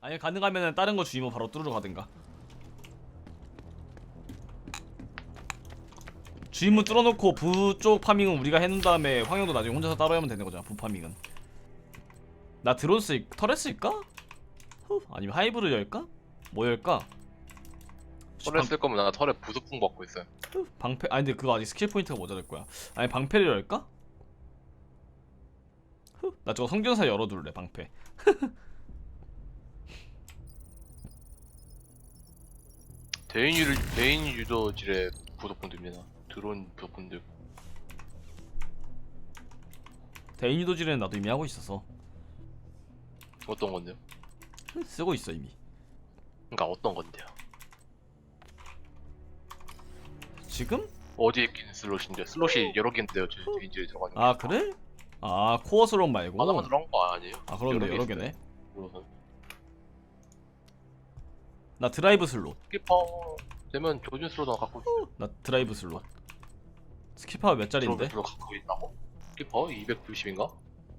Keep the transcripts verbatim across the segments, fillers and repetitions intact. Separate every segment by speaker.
Speaker 1: 아니 가능하면은 다른 거 주의모 바로 뚫으러 가든가. 주임문 뚫어놓고 부 쪽 파밍은 우리가 해놓은 다음에 황영도 나중에 혼자서 따로 하면 되는 거잖아. 부 파밍은. 나 드론 쓸 터렛 쓸까? 후, 아니면 하이브를 열까? 뭐 열까?
Speaker 2: 털에 쓸 거면 나 털에 부속풍 받고 있어요.
Speaker 1: 후, 방패 아니 근데 그거 아직 스킬 포인트가 모자랄 거야. 아니 방패를 열까? 후, 나 저거 성경사 열어둘래 방패.
Speaker 2: 대인 유 대인 유도질에 부속풍 듭니다. 드론 부속풍 들고.
Speaker 1: 대인 유도질에는 나도 이미 하고 있어서
Speaker 2: 어떤 건데요?
Speaker 1: 쓰고 있어 이미.
Speaker 2: 그러니까 어떤 건데요?
Speaker 1: 지금?
Speaker 2: 어디에 끼는 슬롯인데? 슬롯이 여러 개인데요. 저 대인질에 들어가는 게.
Speaker 1: 아 그래? 아 코어 슬롯 말고.
Speaker 2: 하나만 들어간 거 아니에요?
Speaker 1: 아 그런데
Speaker 2: 여러
Speaker 1: 여러
Speaker 2: 개
Speaker 1: 개네.
Speaker 2: 있어요.
Speaker 1: 나 드라이브 슬롯.
Speaker 2: 스키퍼 되면 조준 슬롯 갖고 있어요.
Speaker 1: 나 드라이브 슬롯. 스키퍼가 몇 짜리인데?
Speaker 2: 슬롯 갖고 있다고? 스키퍼 이백구십인가?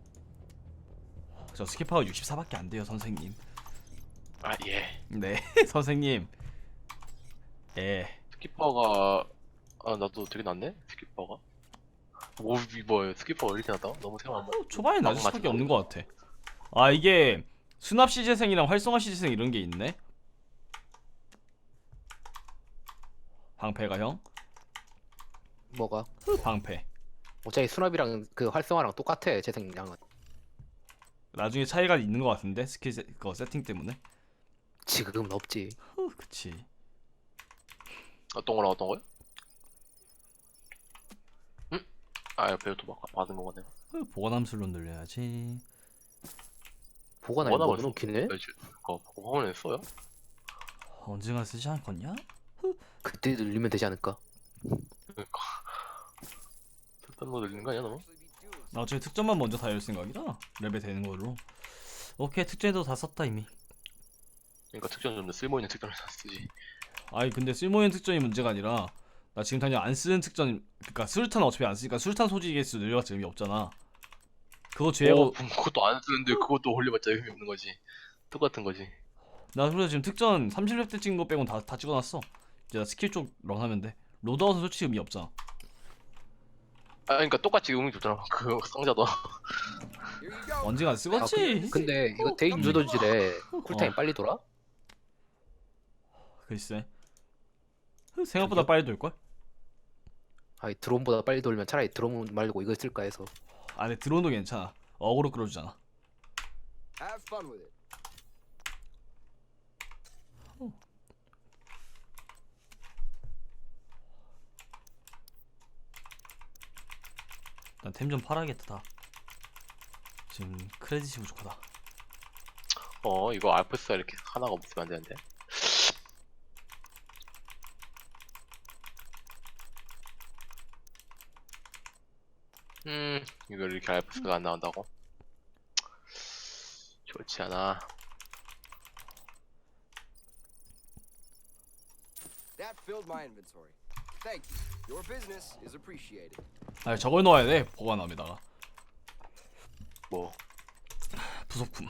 Speaker 1: 저 스키퍼가 육십사밖에 안 돼요 선생님.
Speaker 2: 아 예.
Speaker 1: 네 선생님. 예.
Speaker 2: 스키퍼가 아 나도 되게 낮네 스키퍼가. 오 이거 스키퍼가 이렇게 낮다? 너무 생각.
Speaker 1: 어, 초반에 낮을 수밖에 없는 것 같아. 아 이게 수납 시재생이랑 활성화 시재생 이런 게 있네. 방패가 형?
Speaker 3: 뭐가?
Speaker 1: 방패.
Speaker 3: 어차피 수납이랑 그 활성화랑 똑같아 재생량은.
Speaker 1: 나중에 차이가 있는 것 같은데 스킬 세, 그거 세팅 때문에.
Speaker 3: 지금은 없지.
Speaker 1: 후, 그치.
Speaker 2: 어떤 거랑 어떤 거요? 응? 아 옆에 또 받은 거네.
Speaker 1: 후, 보관함 슬롯 늘려야지.
Speaker 3: 보관함이 뭐 넣기네?
Speaker 2: 그거 보관함에 써요?
Speaker 1: 언젠가 쓰지 않겠냐?
Speaker 3: 그때 늘리면 되지 않을까?
Speaker 2: 그러니까 쓸데없는 거 늘리는 거 아니야 너무?
Speaker 1: 나중에 특전만 먼저 다 열 생각이다. 레벨 되는 걸로. 오케이 특전도 다 썼다 이미.
Speaker 2: 그러니까 특전 좀 더 쓸모있는 특전을 다 쓰지.
Speaker 1: 아니 근데 쓸모있는 특전이 문제가 아니라 나 지금 당장 안 쓰는 특전, 그니까 수류탄 어차피 안 쓰니까 수류탄 소지 개수 늘려봤자 의미 없잖아. 그거 제외하고.
Speaker 2: 어, 그것도 안 쓰는데 그것도 올려봤자 의미 없는 거지. 똑같은 거지.
Speaker 1: 나 그래서 지금 특전 삼십 렙 때 찍은 거 빼곤 다, 다 찍어놨어. 이제 나 스킬 쪽 런하면 돼. 로드아웃은 솔직히 의미 없잖아.
Speaker 2: 아 그러니까 똑같이 의미 좋잖아. 그 상자도.
Speaker 1: 언젠가
Speaker 3: 아,
Speaker 1: 쓰겠지.
Speaker 3: 그, 근데 이거 대인 유도질에 쿨타임
Speaker 1: 어.
Speaker 3: 빨리 돌아?
Speaker 1: 글쎄. 생각보다 빨리 돌걸?
Speaker 3: 아니 드론보다 빨리 돌면 차라리 드론 말고 이걸 쓸까 해서.
Speaker 1: 아 근데 드론도 괜찮아. 어그로 끌어주잖아.
Speaker 4: Have fun with it.
Speaker 1: 난 템 좀 팔아야겠다 다. 지금 크레딧이 부족하다.
Speaker 2: 어 이거 알프스가 이렇게 하나가 없으면 안 되는데. 음 이거 이렇게 알프스가 안 나온다고? 좋지 않아.
Speaker 4: That filled my inventory. Thank you. Your business is appreciated.
Speaker 1: 아 저걸 넣어야 돼 보관함에다가.
Speaker 2: 뭐
Speaker 1: 부속품.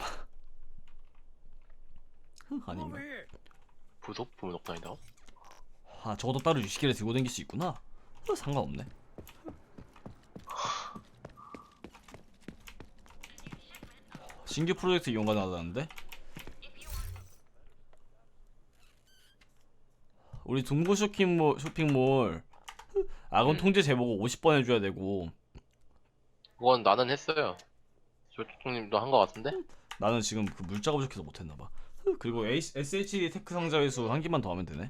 Speaker 1: 아닌가?
Speaker 2: 부속품은 없다니다.
Speaker 1: 아 저것도 따로 유식기를 들고 다닐 수 있구나. 어, 상관없네. 신규 프로젝트 이용 가능하다는데? 우리 동부 쇼핑몰, 쇼핑몰 아군
Speaker 2: 음.
Speaker 1: 통제 제보고 오십 번 해줘야 되고.
Speaker 2: 그건 나는 했어요. 조총님도 한 거 같은데?
Speaker 1: 나는 지금 그 물자가 부족해서 못했나봐. 그리고 에스에이치 테크 상자 회수 한 개만 더 하면 되네.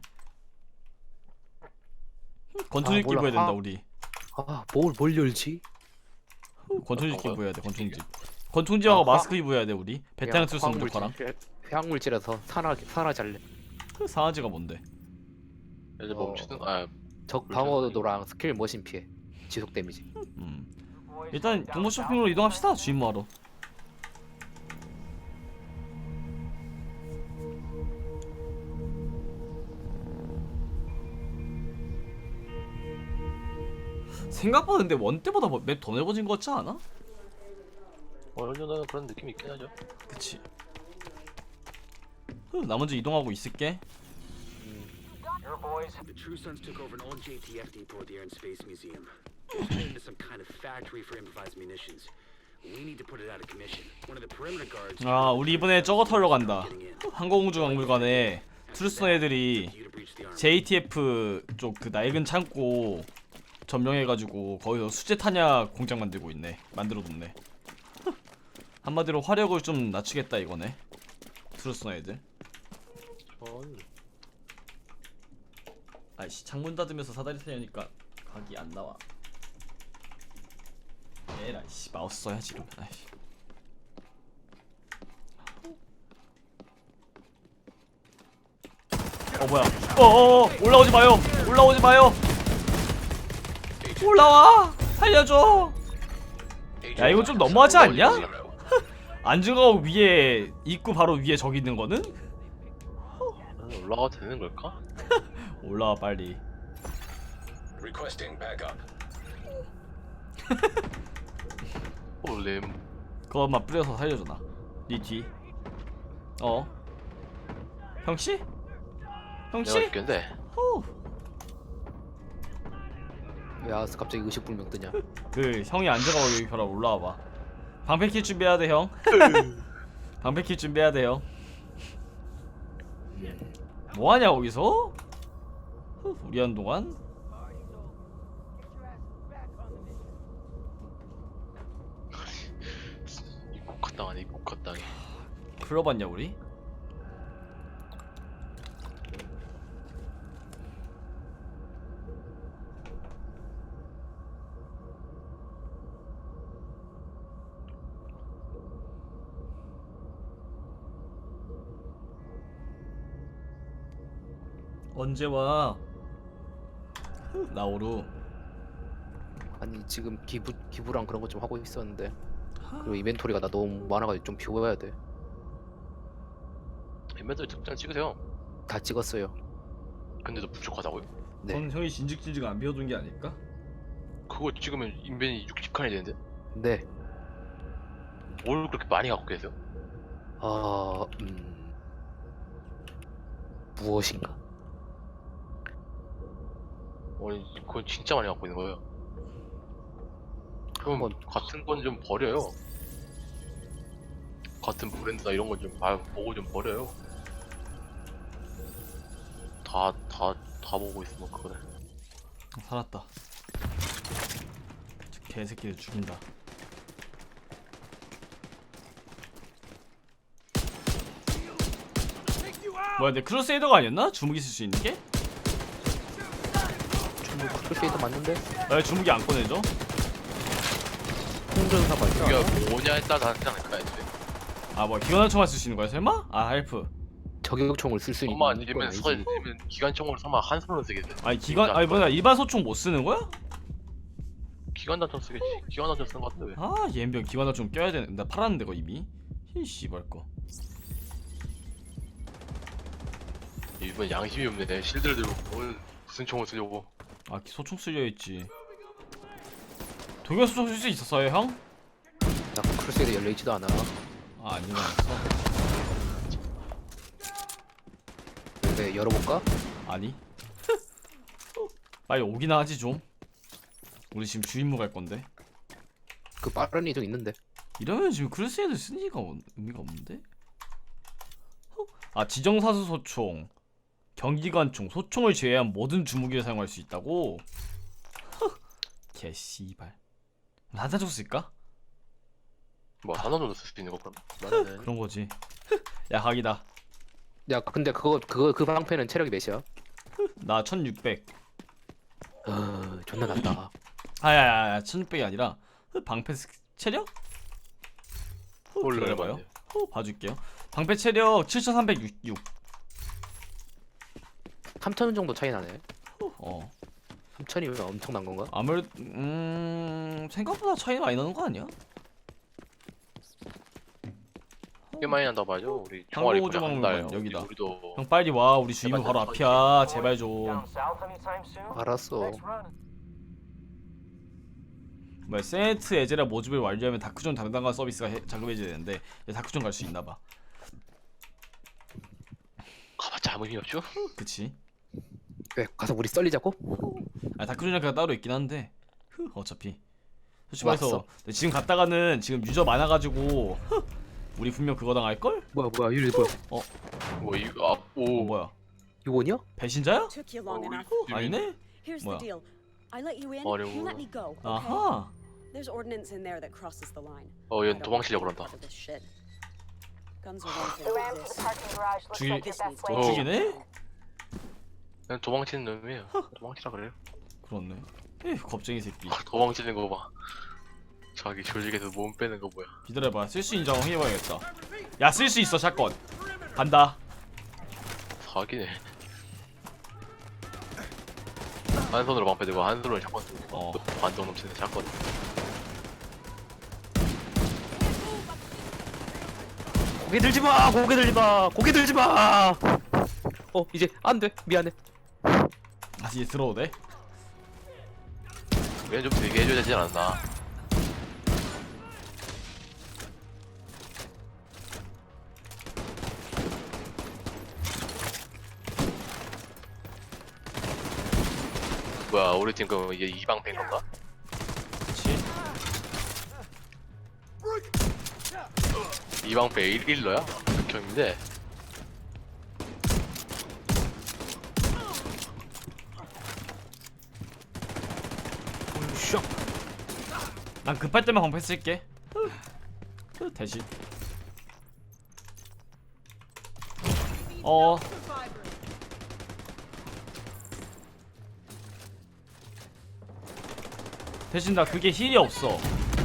Speaker 1: 권총집
Speaker 3: 아, 몰라.
Speaker 1: 기부해야 된다
Speaker 3: 아.
Speaker 1: 우리.
Speaker 3: 아뭘 뭘 열지?
Speaker 1: 권총집
Speaker 2: 어떤 거요?
Speaker 1: 기부해야 돼. 권총집. 권총집하고
Speaker 3: 아,
Speaker 1: 마스크 기부해야 돼 우리. 베테랑 투스 무조건랑.
Speaker 3: 화학물질에서 산화 산화 잘래.
Speaker 1: 상하지가 뭔데?
Speaker 2: 이제
Speaker 3: 어.
Speaker 2: 멈추는 아
Speaker 3: 적 방어도랑 스킬 머신 피해 지속 데미지.
Speaker 1: 음. 일단 동부 쇼핑으로 이동합시다. 주임무하러. 생각보다 근데 원 때보다 맵 더 넓어진 것 같지 않아?
Speaker 2: 어느 정도는 그런 느낌이 있긴 하죠.
Speaker 1: 그치. 후, 나 먼저 이동하고 있을게.
Speaker 5: The True Sons took over an old J T F depot at the Air and Space Museum. It's made into some kind of factory for improvised munitions. We need to put it out of commission. One of the perimeter guards.
Speaker 1: 아 우리 이번에 저거 털러 간다.
Speaker 5: getting in.
Speaker 1: 항공우주박물관에 트루스너 애들이
Speaker 5: You to breach the armor.
Speaker 1: 제이티에프 쪽 그 낡은 창고 점령해가지고 거기서 수제 탄약 공장 만들고 있네. 만들어 뒀네. 한마디로 화력을 좀 낮추겠다 이거네. 트루스너 애들. 아이씨 창문 닫으면서 사다리 타려니까 각이 안 나와. 에라이 씨 마우스 써야지 이러면. 아이씨. 어 뭐야? 어어 올라오지 마요. 올라오지 마요. 올라와. 살려줘. 야 이거 좀 너무하지 않냐? 안중하고 위에 입구 바로 위에 저기 있는 거는?
Speaker 2: 올라가도 되는 걸까?
Speaker 1: 올라와 빨리.
Speaker 6: Requesting backup.
Speaker 2: 올렘.
Speaker 1: 그것만 뿌려서 살려줘 나. 니 뒤. 어. 형씨?
Speaker 2: 내가
Speaker 1: 형씨?
Speaker 2: 죽겠는데.
Speaker 1: 호.
Speaker 3: 왜 아스 갑자기 의식불명 뜨냐?
Speaker 1: 그 형이 앉아가고 여기 벼락 올라와봐. 방패킬 준비해야 돼 형. 방패킬 준비해야 돼 형. 뭐하냐 거기서? 후, 우리 한동안?
Speaker 2: 이 국화땅 아니 이 국화땅이.
Speaker 1: 불러봤냐 우리? 언제 와? 나오루.
Speaker 3: 아니 지금 기부 기부랑 그런 거 좀 하고 있었는데 그리고 이벤토리가 나 너무 많아가지고 좀 비워야 돼.
Speaker 2: 인벤토리 특장 찍으세요.
Speaker 3: 다 찍었어요.
Speaker 2: 근데도 부족하다고요?
Speaker 3: 네.
Speaker 1: 그건 형이 진직진직 안 비워둔 게 아닐까?
Speaker 2: 그거 찍으면 인벤이 육십 칸이 되는데?
Speaker 3: 네.
Speaker 2: 뭘 그렇게 많이 갖고 계세요?
Speaker 3: 아 음. 무엇인가?
Speaker 2: 아니 그건 진짜 많이 갖고 있는 거예요. 그럼
Speaker 3: 한번-
Speaker 2: 같은 건 좀 버려요. 같은 브랜드나 이런 건 좀 보고 좀 버려요. 다 다 다 보고 있으면 그거를.
Speaker 1: 살았다. 저 개새끼들 죽인다. 뭐야 내 크루세이더가 아니었나? 주무기 쓸 수 있는 게?
Speaker 3: 충분 크루세이더 맞는데?
Speaker 1: 왜 주무기 안 꺼내줘?
Speaker 3: 홍전사가 있어.
Speaker 2: 이게 뭐냐에 따라 다르지 않을까 애초에.
Speaker 1: 아 뭐야 기관총알 쓸 수 있는 거야 설마? 아 헬프.
Speaker 3: 저격총을 쓸 수 있는
Speaker 2: 설마
Speaker 3: 건
Speaker 2: 아니면
Speaker 3: 아니지.
Speaker 2: 서 아니면 기관총으로 설마 한 손으로 쓰겠어?
Speaker 1: 아니 기관 아니 뭐야 일반 소총 못 쓰는 거야?
Speaker 2: 기관단총 쓰겠지. 기관단총 쓰는 거 같은데 왜?
Speaker 1: 아 얘인병 기관총 좀 껴야 되는. 나 팔았는데 거 이미. 이 씨발 거.
Speaker 2: 이번 양심이 없네. 실드를 들고 뭘 무슨 총을 쓰려고?
Speaker 1: 아 소총 쓰려 했지. 독일 소총 쓸 수 있었어요 형?
Speaker 3: 나 크루세이더 열려있지도 않아.
Speaker 1: 아 안 일어났어.
Speaker 3: 네, 열어볼까?
Speaker 1: 아니. 빨리 오기나 하지 좀. 우리 지금 주임무 갈 건데.
Speaker 3: 그 빠른 이동 있는데.
Speaker 1: 이러면 지금 크루세이더 쓰는 이가 의미가 없는데? 어? 아 지정사수 소총, 경기관총, 소총을 제외한 모든 주무기를 사용할 수 있다고? 개씨발. 한탄총 쓸까?
Speaker 2: 뭐 단원으로 쓸 수 있는 거 그럼? 나는
Speaker 1: 그런 거지. 야 각이다.
Speaker 3: 야 근데 그거 그거 그 방패는 체력이 몇이야?
Speaker 1: 나 천육백.
Speaker 3: 어 존나 낮다.
Speaker 1: 아야야야 천육백이 아니라 방패 스- 체력?
Speaker 2: 원래
Speaker 1: 기다려봐요.
Speaker 2: 얼마인데?
Speaker 1: 어, 봐줄게요. 방패 체력 칠천삼백육.
Speaker 3: 삼천 원 정도 차이 나네.
Speaker 1: 어.
Speaker 3: 삼천이면 엄청난 건가?
Speaker 1: 아무래도 음 생각보다 차이 많이 나는 거 아니야?
Speaker 2: 꽤 많이 난다 봐죠. 우리 총알이
Speaker 1: 항공우주
Speaker 2: 그냥 한
Speaker 1: 박물관
Speaker 2: 달.
Speaker 1: 여기다.
Speaker 2: 우리도
Speaker 1: 형 빨리 와. 우리 주임무 바로 앞이야. 제발 좀.
Speaker 3: 알았어.
Speaker 1: 뭐야 세네트 에제라 모집을 완료하면 다크존 담당관 서비스가 해, 자급해지야 되는데 다크존 갈 수 있나봐.
Speaker 2: 정신이 없죠?
Speaker 1: 그치.
Speaker 3: 왜 가서 우리 썰리자고?
Speaker 1: 아 다크존이가 따로 있긴 한데 흐, 어차피 솔직히
Speaker 3: 왔어.
Speaker 1: 말해서 지금 갔다가는 지금 유저 많아가지고 흐, 우리 분명 그거 당할걸?
Speaker 3: 뭐야 뭐야 유리 뭐야?
Speaker 2: 뭐 이거
Speaker 1: 어
Speaker 2: 아오
Speaker 1: 뭐야
Speaker 3: 유원이야?
Speaker 1: 배신자야?
Speaker 7: Took you long enough.
Speaker 1: 아니네?
Speaker 7: Here's
Speaker 1: 뭐야?
Speaker 7: the deal. I let you in,
Speaker 2: 어려워.
Speaker 7: you let me go. Okay?
Speaker 1: 아하
Speaker 7: There's ordnance in there that crosses the line.
Speaker 2: 어
Speaker 7: I
Speaker 2: 얘
Speaker 7: don't
Speaker 2: 도망치려고
Speaker 7: want
Speaker 2: 그런다.
Speaker 7: any part of this shit. Guns are one thing, but this.
Speaker 1: 죽이
Speaker 7: This needs to
Speaker 1: 어,
Speaker 7: be
Speaker 1: 죽이네?
Speaker 2: 그냥 도망치는 놈이에요. 도망치라 그래요.
Speaker 1: 그렇네 에휴 겁쟁이 새끼
Speaker 2: 도망치는 거 봐. 자기 조직에서 몸 빼는 거 뭐야?
Speaker 1: 기다려봐 쓸수 인정 해봐야겠다 야 쓸 수 있어 샷건 간다
Speaker 2: 사기네. 한 손으로 방패 들고 한 손으로 샷건 들고
Speaker 1: 어.
Speaker 2: 반동 넘치는 샷건.
Speaker 3: 고개 들지 마 고개 들지 마 고개 들지 마. 어 이제 안 돼 미안해.
Speaker 1: 아 이제 들어도 돼?
Speaker 2: 얘는 좀 되게 해줘야 되지 않았나? 뭐야 우리 팀 그럼 이게 이방패인 건가?
Speaker 1: 그치
Speaker 2: 이방패 일 일러야? 극혐인데.
Speaker 3: 슉.
Speaker 1: 난 급할 때만 방패 쓸게 흐, 흐, 대신 어 대신 나 그게 힐이 없어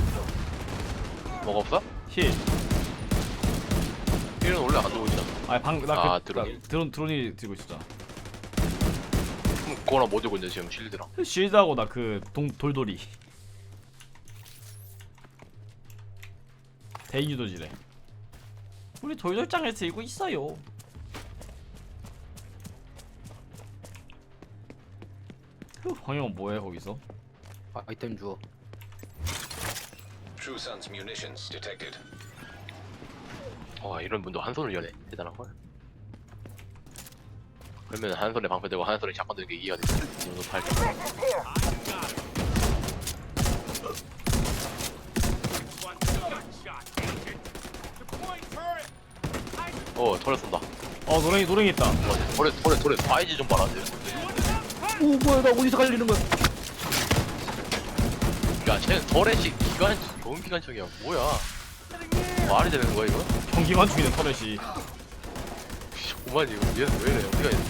Speaker 2: 뭐가 없어?
Speaker 1: 힐
Speaker 2: 힐은 원래 안 들고 있잖아.
Speaker 1: 아니 방나
Speaker 2: 아,
Speaker 1: 그,
Speaker 2: 드론이.
Speaker 1: 나 드론 드론이 들고 있었잖아
Speaker 2: 그럼 그거랑 뭐 들고 있는데 지금 실드랑.
Speaker 1: 쉴드하고 나 그 돌돌이 대인유도지래 우리 돌돌장을 들고 있어요 휴, 황영은 뭐해 거기서?
Speaker 3: 아이템 주워.
Speaker 6: True Sun's munitions detected.
Speaker 2: 와 이런 분도 한 손을 여네. 대단한 걸. 그러면 한 손에 방패 들고 한 손에 샷건 들는 게 이해가 돼. 눈 팔게. 어 털에 쏜다.
Speaker 1: 어 노랭이 노랭이 있다
Speaker 2: 털에 털에 털에 사이즈 좀 봐라.
Speaker 3: 오 뭐야 나 어디서 갈리는 거야?
Speaker 2: 야 쟤는 털에씩 기관 좋은 기관총이야. 뭐야? 말이 되는 거야 이거?
Speaker 1: 경기만 죽이는 터렛이
Speaker 2: 오만 이거 얘는 왜 이래? 어디가 있어?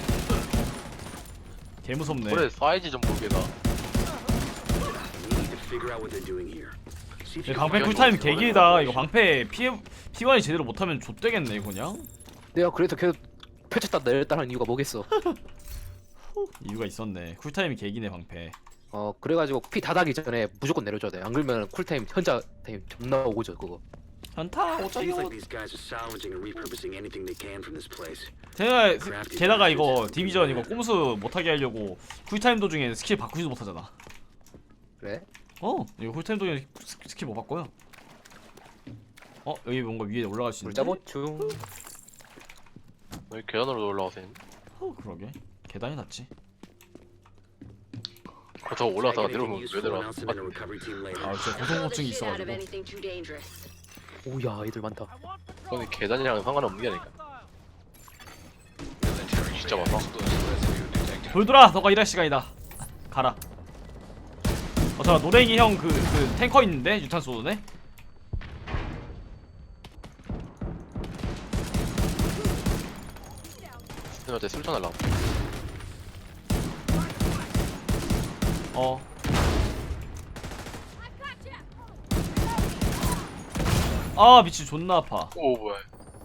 Speaker 1: 개무섭네
Speaker 2: 털에 사이즈 좀 보게 나.
Speaker 5: We need to figure out what they're doing here. See if
Speaker 1: 이
Speaker 5: you can
Speaker 1: 방패
Speaker 5: find
Speaker 1: 쿨타임
Speaker 5: what's going
Speaker 1: 개길다
Speaker 5: on.
Speaker 1: 이거 방패 피해 피관이 제대로 못하면 좆되겠네 이거 그냥
Speaker 3: 내가 그래서 계속 펼쳤다 내렸다 하는 이유가 뭐겠어?
Speaker 1: 이유가 있었네 쿨타임이 개기네 방패
Speaker 3: 어 그래가지고 피 다 닿기 전에 무조건 내려줘야 돼. 안 그러면 쿨타임 현자 타임 존나 오고죠 그거.
Speaker 1: 현타
Speaker 5: Seems
Speaker 1: 어쩌요
Speaker 5: like these guys are salvaging and repurposing anything they can from this place.
Speaker 1: 제가 게다가 이거 디비전 이거 꼼수 못하게 하려고 쿨타임 도중에 스킬 바꾸지도 못하잖아
Speaker 3: 그래?
Speaker 1: 어 이거 쿨타임 도중에 스- 스킬 못 바꿔요 어 여기 뭔가 위에 올라갈 수 있는데?
Speaker 3: 물자보충.
Speaker 2: 왜 계단으로 올라가서 있니?
Speaker 1: 어 그러게 계단이 낫지
Speaker 2: 그렇다고
Speaker 5: Check
Speaker 2: 올라가다가
Speaker 5: anything
Speaker 2: 내려오면 왜
Speaker 5: useful and
Speaker 2: 내려와?
Speaker 5: I'll submit a recovery team later.
Speaker 1: 아 진짜 고소공증이 있어가지고
Speaker 3: 오야 애들 많다.
Speaker 2: 그건 계단이랑 상관없는 게 아닐까?
Speaker 6: Military
Speaker 2: 진짜
Speaker 6: grade
Speaker 2: 많아.
Speaker 6: explosive residue detected.
Speaker 1: 돌돌아 너가 일할 시간이다 가라 어 잠깐 노랭이 형 그 그 탱커 있는데 유탄 쏘네
Speaker 2: 스님한테 술전 하려고.
Speaker 1: 어 아 미친 존나 아파
Speaker 2: 오 뭐야?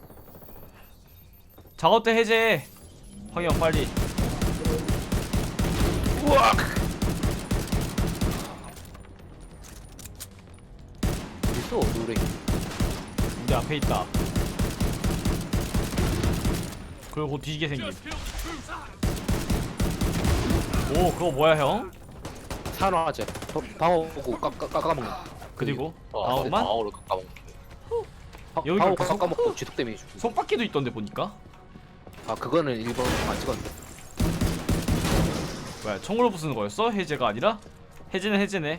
Speaker 1: 작업대 해제 황영 빨리
Speaker 3: 우와. 있어 노래.
Speaker 1: 우리 앞에 있다 그리고 곧 뒤지게 생김 오 그거 뭐야 형?
Speaker 3: 산화제. 방어구 깎아먹는.
Speaker 1: 그리고
Speaker 2: 아,
Speaker 1: 방어만?
Speaker 2: 방어로 까먹.
Speaker 1: 여기가
Speaker 3: 방어구
Speaker 1: 그 속-
Speaker 3: 깎아먹고 지속 데미지 주고.
Speaker 1: 속바퀴도 있던데 보니까
Speaker 3: 아 그거는 일 번 안 찍었는데.
Speaker 1: 뭐야 총으로 부수는 거였어? 해제가 아니라? 해제는 해제네.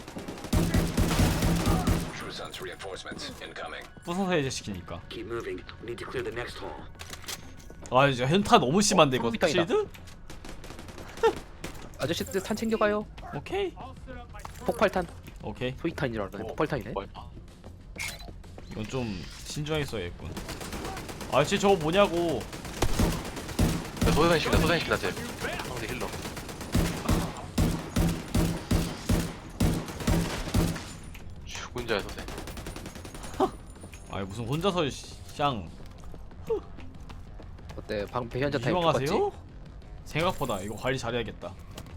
Speaker 6: True Sun's reinforcements incoming.
Speaker 1: 부숴서 해제시키니까.
Speaker 5: Keep moving. We need to clear the next hall.
Speaker 1: 아 이제 현타 너무 심한데 이거
Speaker 3: 컴퓨터이다.
Speaker 1: 실드?
Speaker 3: 아저씨들 탄 챙겨가요.
Speaker 1: 오케이
Speaker 3: 폭발탄.
Speaker 1: 오케이
Speaker 3: 소위탄이라 그러네. 폭발탄이네.
Speaker 2: 뭐야?
Speaker 1: 이건 좀 신중하게 써야겠군. 아저씨 저거 뭐냐고.
Speaker 2: 야, 소생시키다 소생시키다 쟤 상대 힐러. 죽은 자의 소생.
Speaker 1: 아니 무슨 혼자서 샹
Speaker 3: 어때? 방패 현자 타입 똑같지?
Speaker 1: 희망하세요? 생각보다 이거 관리 잘해야겠다.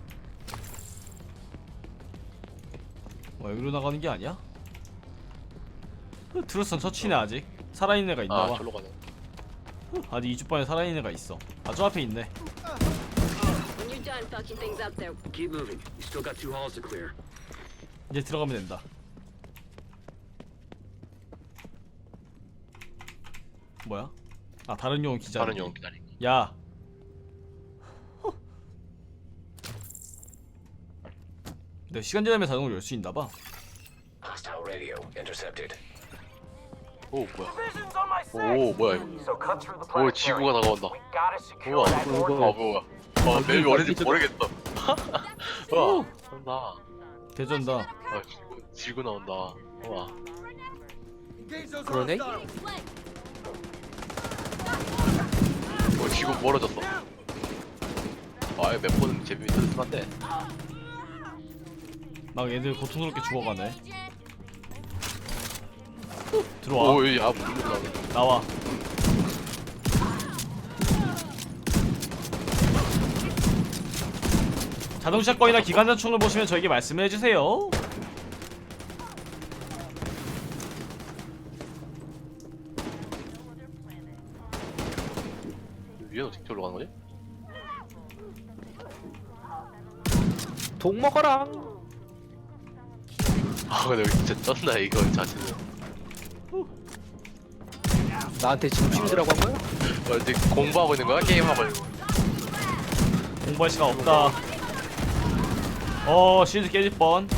Speaker 1: 뭐 여기로 나가는 게 아니야? 트루스는 처치네 아직. 살아있는 애가
Speaker 2: 아
Speaker 1: 있나봐.
Speaker 2: 절로 가네.
Speaker 1: 아직 이주반에 살아있는 애가 있어. 아 저 앞에 있네.
Speaker 7: When you're done fucking things up there,
Speaker 5: Keep moving. You still got two halls to clear.
Speaker 1: 이제 들어가면 된다. 뭐야? 아 다른 용어 기자.
Speaker 2: 다른 용 기다리.
Speaker 1: 야. 내 시간 지나면 자동으로 열 수 있나봐.
Speaker 6: Hostile radio intercepted.
Speaker 2: 오 뭐야? 오 뭐야 이거? 오 지구가 다가온다. 우와. 아 뭐야? 아 맵이 어딘지 모르겠어. 우와. 나온다.
Speaker 1: 대전다.
Speaker 2: 아 지구 지구 나온다. 우와.
Speaker 3: 그러네?
Speaker 2: 어 지구 멀어졌어. 아몇 번 재미 들었는데.
Speaker 1: 막 얘들 고통스럽게 죽어가네. 들어와.
Speaker 2: 오야 물로 나오네.
Speaker 1: 나와. 자동샷건이나 기관단총을 보시면 저에게 말씀을 해주세요.
Speaker 2: 위에는 어떻게 올라가는 거지?
Speaker 3: 독 먹어라.
Speaker 2: 아 근데 여기 진짜 쩐다 이거 자체는.
Speaker 3: 나한테 지금 쉴드라고 한 거야?
Speaker 2: 어, 이제 공부하고 있는 거야? 게임하고 있는 거야?
Speaker 1: 공부할 시간 없다. 어 실드 깨질 뻔.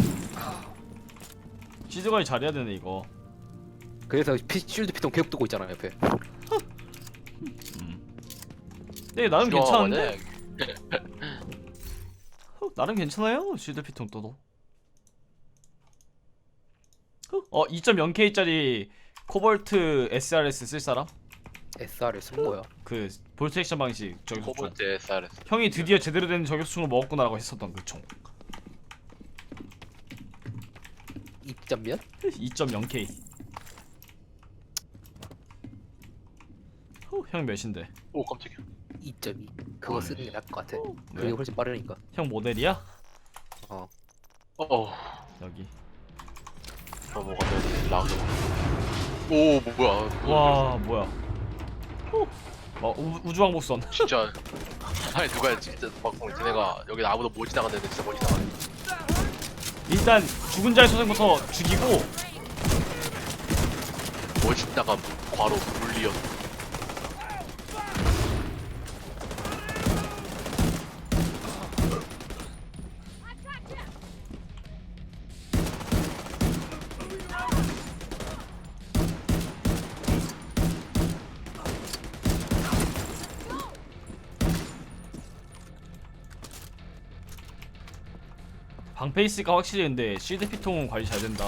Speaker 1: 실드 관리 잘해야 되네 이거.
Speaker 3: 그래서 피, 쉴드 피통 계속 뜨고 있잖아 옆에.
Speaker 1: 네 나름 괜찮은데?
Speaker 2: 싫어하거든.
Speaker 1: 어, 나름 괜찮아요 실드 피통 떠도. 어 이 점 영 케이짜리 코볼트 에스알에스 쓸 사람?
Speaker 3: 에스알을 쓴 거야.
Speaker 1: 그 볼트 액션 방식 저격수총.
Speaker 2: 코볼트 에스알에스.
Speaker 1: 형이 드디어 제대로 된 저격수총을 먹었구나라고 했었던 그 총.
Speaker 3: 이 점 몇?
Speaker 1: 이 점 영 케이. 어, 형 몇인데?
Speaker 2: 오 깜짝이야.
Speaker 3: 이 점 이. 그거 쓰는 게 나을 것 같아.
Speaker 1: 왜?
Speaker 3: 그게 훨씬 빠르니까.
Speaker 1: 형 모델이야?
Speaker 3: 어.
Speaker 2: 어.
Speaker 1: 여기.
Speaker 2: 어 뭐가 되지? 라그. 오 뭐, 뭐야?
Speaker 1: 와 뭐야? 어 우- 우주왕복선.
Speaker 2: 진짜. 아니 누가 진짜 막 쟤네가 여기 아무도 못 지나갔는데 진짜 못 지나가네.
Speaker 1: 일단 죽은 자의 소생부터 죽이고.
Speaker 2: 못 지나간 과로 물리어.
Speaker 1: 방패 있으니까 확실히 근데 실드 피통은 관리 잘 된다.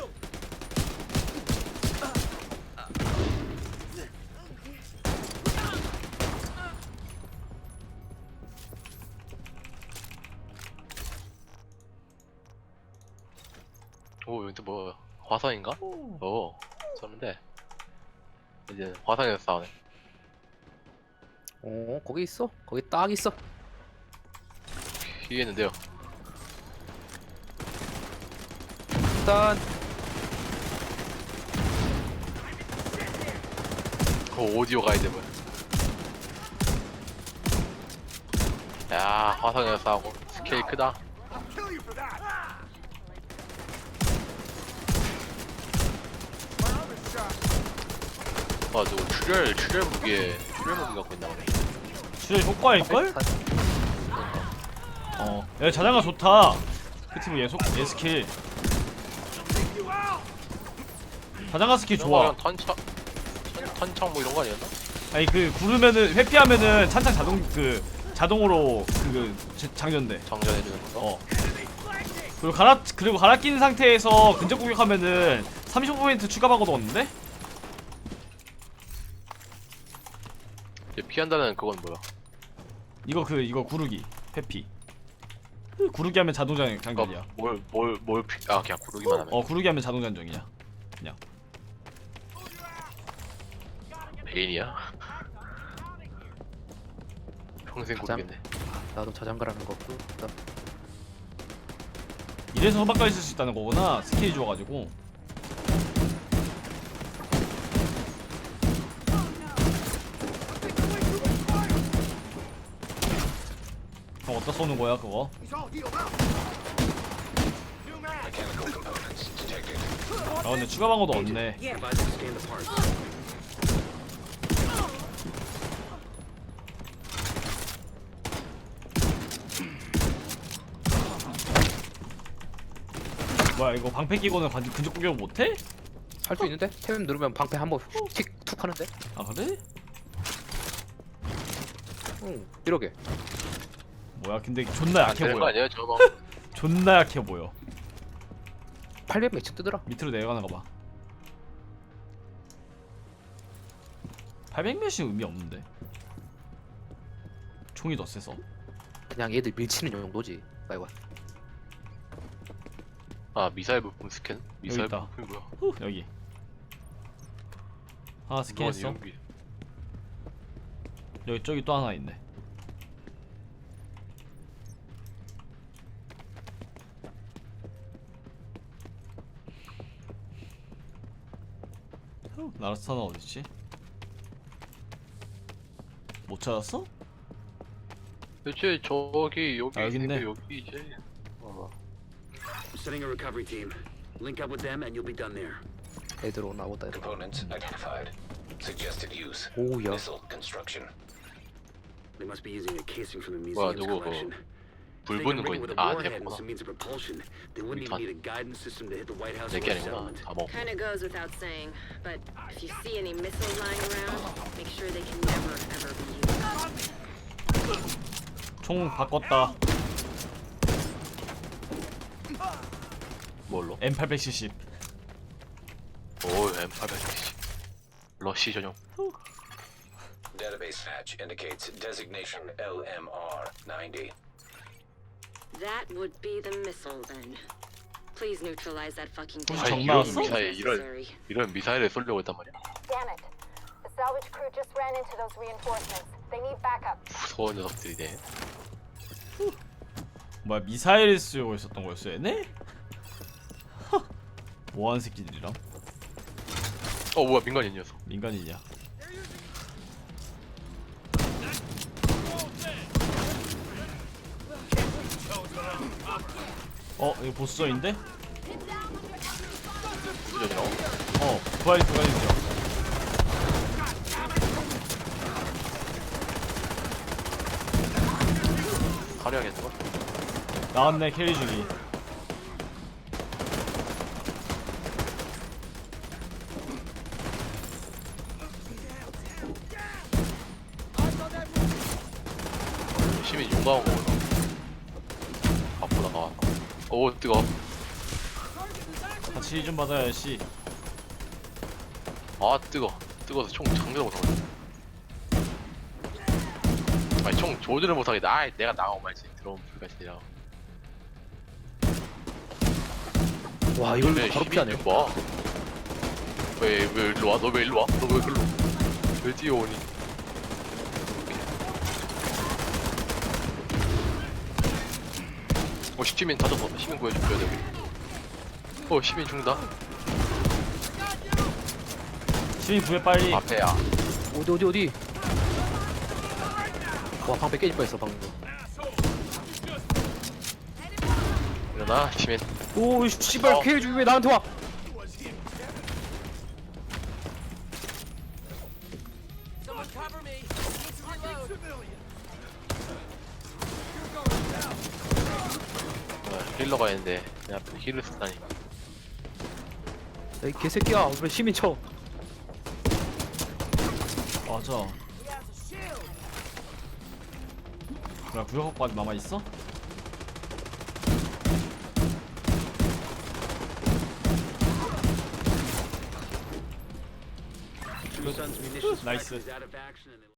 Speaker 2: 오 여기 또 뭐야? 화성인가? 어. 쏘는데 이제 화성에서 싸우네.
Speaker 3: 어 거기 있어. 거기 딱 있어.
Speaker 2: 이해했는데요.
Speaker 3: 일단
Speaker 2: 그 오디오 가이드 뭐야? 야 화성에서 싸우고 스케일 크다. 아 저거 출혈 출혈 무기에 출혈 무기 갖고 있나 보네.
Speaker 1: 진짜 효과일걸? 어, 야 자장가 좋다. 크티브 예속 예스킬. 자장가 스킬 좋아.
Speaker 2: 그냥 탄창 탄- 탄창 뭐 이런 거 아니었나?
Speaker 1: 아니 그 구르면은 회피하면은 찬창 자동 그 자동으로 그 그 장전돼.
Speaker 2: 장전해주는 거.
Speaker 1: 어. 그리고 갈아 그리고 갈아 낀 상태에서 근접 공격하면은 삼십오 퍼센트 추가 방어도 얻는데?
Speaker 2: 이제 피한다는 그건 뭐야?
Speaker 1: 이거 그 이거 구르기 회피. 그 구르기 하면 자동 장- 장전이야.
Speaker 2: 뭘뭘뭘 피... 아 그냥 구르기만 하면.
Speaker 1: 어 구르기 하면 자동 장전이야. 그냥.
Speaker 2: 베인이야? 평생
Speaker 3: 가장-
Speaker 2: 구르겠네.
Speaker 3: 나도 자장가라는 거 없고.
Speaker 1: 이래서 호박까지 쓸 수 있다는 거구나. 스킬이 좋아가지고. 그럼 어디다 쏘는 거야 그거?
Speaker 6: Mechanical components detected.
Speaker 1: 아 근데 추가 방어도 없네.
Speaker 5: Advise to scan the parts.
Speaker 1: 뭐야 이거 방패 끼고는 관- 근접 공격 못해?
Speaker 3: 할 수 있는데? 템 누르면 방패 한번 틱툭 하는데?
Speaker 1: 아 그래?
Speaker 3: 응 이러게.
Speaker 1: 뭐야 근데 존나
Speaker 2: 안
Speaker 1: 약해
Speaker 2: 되는 거
Speaker 1: 보여.
Speaker 2: 아니야 저거?
Speaker 1: 존나 약해 보여.
Speaker 3: 팔백 매칭 뜨더라.
Speaker 1: 밑으로 내려가는 거 봐. 팔백 몇이 의미 없는데. 총이 더 세서.
Speaker 3: 그냥 얘들 밀치는 정도지. 빨리 와.
Speaker 2: 아 미사일 부품 스캔? 미사일
Speaker 1: 있다.
Speaker 2: 부품이 뭐야?
Speaker 1: 후, 여기. 하나 스캔했어.
Speaker 2: 이건 이용기.
Speaker 1: 여기 저기 또 하나 있네. 후, 나라스타는 어딨지? 못 찾았어?
Speaker 2: 대체 저기 여기
Speaker 1: 아, 여기 있네.
Speaker 2: 있는데 여기 이제 어.
Speaker 5: I'm setting a recovery team. Link up with them and you'll be done there.
Speaker 3: 애들 오나 보다. 애들.
Speaker 6: Components identified. Suggested use.
Speaker 3: 오우야.
Speaker 6: Missile construction.
Speaker 5: They must be using a casing from the
Speaker 2: 뭐야,
Speaker 5: museum's
Speaker 2: 누구
Speaker 5: collection.
Speaker 2: 불
Speaker 5: If they
Speaker 2: 붙는
Speaker 5: can
Speaker 2: 거
Speaker 5: rig it with
Speaker 2: 있는데
Speaker 5: a
Speaker 2: 아
Speaker 5: warhead
Speaker 2: 됐구나.
Speaker 5: as a means of propulsion, they wouldn't even
Speaker 2: 단-
Speaker 5: need a guidance system to hit the White House or
Speaker 2: 내게
Speaker 5: the
Speaker 2: 아니구나.
Speaker 5: settlement.
Speaker 2: 다 먹.
Speaker 8: Kinda goes without saying, but if you see any missiles lying around, make sure they can never ever be used.
Speaker 1: 총 바꿨다.
Speaker 2: 뭘로?
Speaker 1: 엠 팔백칠십.
Speaker 2: 오 엠 팔백칠십. 러시 전용.
Speaker 6: Database hatch indicates designation L M R ninety.
Speaker 8: That would be the missile then. Please neutralize that fucking
Speaker 1: 혹시
Speaker 2: 아니,
Speaker 1: 정
Speaker 8: thing.
Speaker 2: 이런
Speaker 1: 나왔어?
Speaker 2: 미사일 이런
Speaker 8: Necessary.
Speaker 2: 이런 미사일을 쏘려고 했단 말이야.
Speaker 9: Damn it. The salvage crew just ran into those reinforcements. They need backup.
Speaker 2: 무서운 녀석들이네.
Speaker 1: 뭐야 미사일 쓰고 있었던 거였어 얘네? 뭐하는 새끼들이랑?
Speaker 2: 어 뭐야 민간인 녀석.
Speaker 1: 민간인이야. 어 이거 보스전인데?
Speaker 2: 수전이라고?
Speaker 1: 어 부활이 두 가지죠.
Speaker 2: 화려하겠는 거?
Speaker 1: 나왔네 캐리 중이.
Speaker 2: 시민 용감한 거구나. 앞으로 나와. 오 뜨거.
Speaker 1: 같이 좀 받아야지.
Speaker 2: 아 뜨거. 뜨거워서 총 장전을 못하거든. 아니 총 조준을 못하겠다. 아 내가 나가고 말지. 들어온 불가시라.
Speaker 3: 와 이걸
Speaker 2: 왜
Speaker 3: 바로
Speaker 2: 시민이
Speaker 3: 피하네.
Speaker 2: 뭐? 왜왜 일로 와? 너 왜 일로 와? 너 왜 글로? 왜 뛰어오니? 어 시민 다졌어. 시민 구해줘야 돼 우리. 어 시민 죽는다.
Speaker 1: 시민 구해 빨리.
Speaker 2: 앞에야.
Speaker 3: 어디 어디 어디. 와 방패 깨질 뻔했어 방금.
Speaker 2: 일어나 시민.
Speaker 3: 오 씨발
Speaker 2: 어.
Speaker 3: 케이지 왜 나한테 와?
Speaker 2: 힐러가 있는데 내 앞에 힐을 쓰다니.
Speaker 3: 이 개새끼야 왜 시민 쳐?
Speaker 1: 맞아. 뭐야 구역까지 남아 있어?
Speaker 5: Tucson's munitions
Speaker 1: Nice.
Speaker 5: factory is out of action and